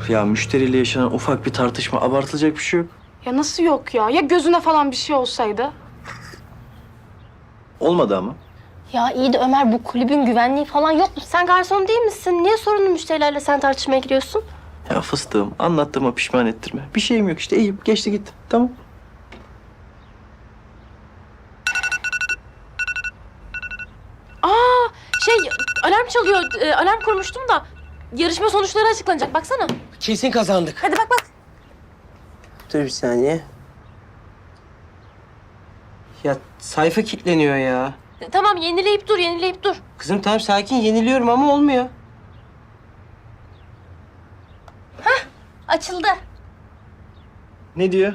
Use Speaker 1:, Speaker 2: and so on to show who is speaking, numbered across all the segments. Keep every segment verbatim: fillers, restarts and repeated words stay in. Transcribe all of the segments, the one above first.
Speaker 1: Ya müşteriyle yaşanan ufak bir tartışma, abartılacak bir şey yok.
Speaker 2: Ya nasıl yok ya? Ya gözüne falan bir şey olsaydı?
Speaker 1: Olmadı ama.
Speaker 3: Ya iyi de Ömer, bu kulübün güvenliği falan yok mu? Sen garson değil misin? Niye sorunlu müşterilerle sen tartışmaya giriyorsun?
Speaker 1: Ya fıstığım, anlattığıma pişman ettirme. Bir şeyim yok işte, iyiyim. Geçti gitti. Tamam.
Speaker 3: Aa, şey, alarm çalıyor. Ee, alarm kurmuştum da yarışma sonuçları açıklanacak. Baksana.
Speaker 4: Kesin kazandık.
Speaker 3: Hadi bak bak.
Speaker 4: Dur bir saniye. Ya sayfa kilitleniyor ya.
Speaker 3: E, Tamam, yenileyip dur, yenileyip dur.
Speaker 4: Kızım tamam sakin yeniliyorum ama olmuyor.
Speaker 3: Açıldı.
Speaker 1: Ne diyor?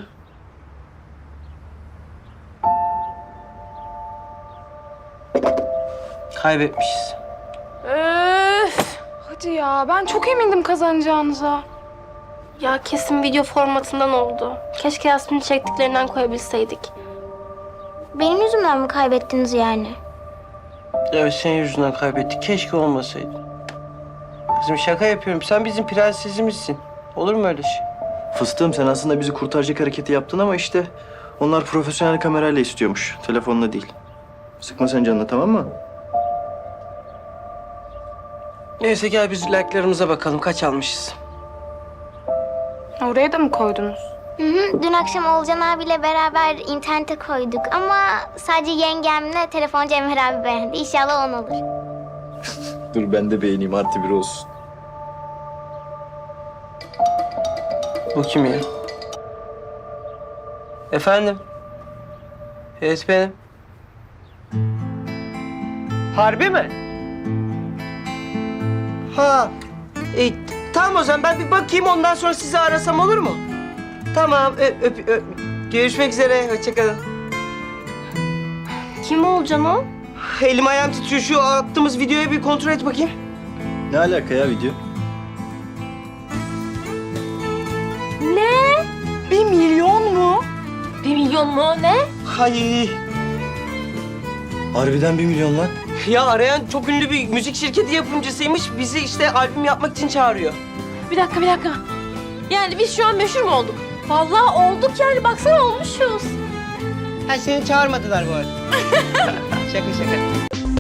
Speaker 4: Kaybetmişiz.
Speaker 2: Öf. Hadi ya, ben çok emindim kazanacağınıza.
Speaker 3: Ya kesin video formatından oldu. Keşke Yasmin'in çektiklerinden koyabilseydik.
Speaker 5: Benim yüzümden mi kaybettiniz yani?
Speaker 4: Evet senin yüzünden kaybettik. Keşke olmasaydı. Kızım şaka yapıyorum. Sen bizim prensesimizsin. Olur mu öyle şey?
Speaker 1: Fıstığım, sen aslında bizi kurtaracak hareketi yaptın ama işte onlar profesyonel kamerayla istiyormuş. Telefonla değil. Sıkma sen canını, tamam mı?
Speaker 4: Neyse gel biz like'larımıza bakalım. Kaç almışız?
Speaker 2: Oraya da mı koydunuz?
Speaker 5: Hı hı. Dün akşam Olcan abiyle beraber internete koyduk ama sadece yengemle telefoncu Emir abi beğendi. İnşallah on olur.
Speaker 1: Dur ben de beğeneyim, artı bir olsun.
Speaker 4: Bu kim ya? Efendim? Evet benim. Harbi mi? Ha. E, tamam o zaman ben bir bakayım ondan sonra sizi arasam olur mu? Tamam öp, öp, öp. Görüşmek üzere. Hoşça kalın.
Speaker 3: Kim olacaksın o?
Speaker 4: Elim ayağım titriyor. Şu attığımız videoyu bir kontrol et bakayım.
Speaker 1: Ne alaka ya video?
Speaker 3: Ne?
Speaker 2: Bir milyon mu?
Speaker 3: Bir milyon mu? Ne?
Speaker 4: Hay.
Speaker 1: Harbiden bir milyon lan.
Speaker 4: Ya arayan çok ünlü bir müzik şirketi yapımcısıymış. Bizi işte albüm yapmak için çağırıyor.
Speaker 3: Bir dakika, bir dakika. Yani biz şu an meşhur mu olduk? Vallahi olduk yani. Baksana olmuşuz.
Speaker 4: Ha seni çağırmadılar bu arada. Şaka şaka.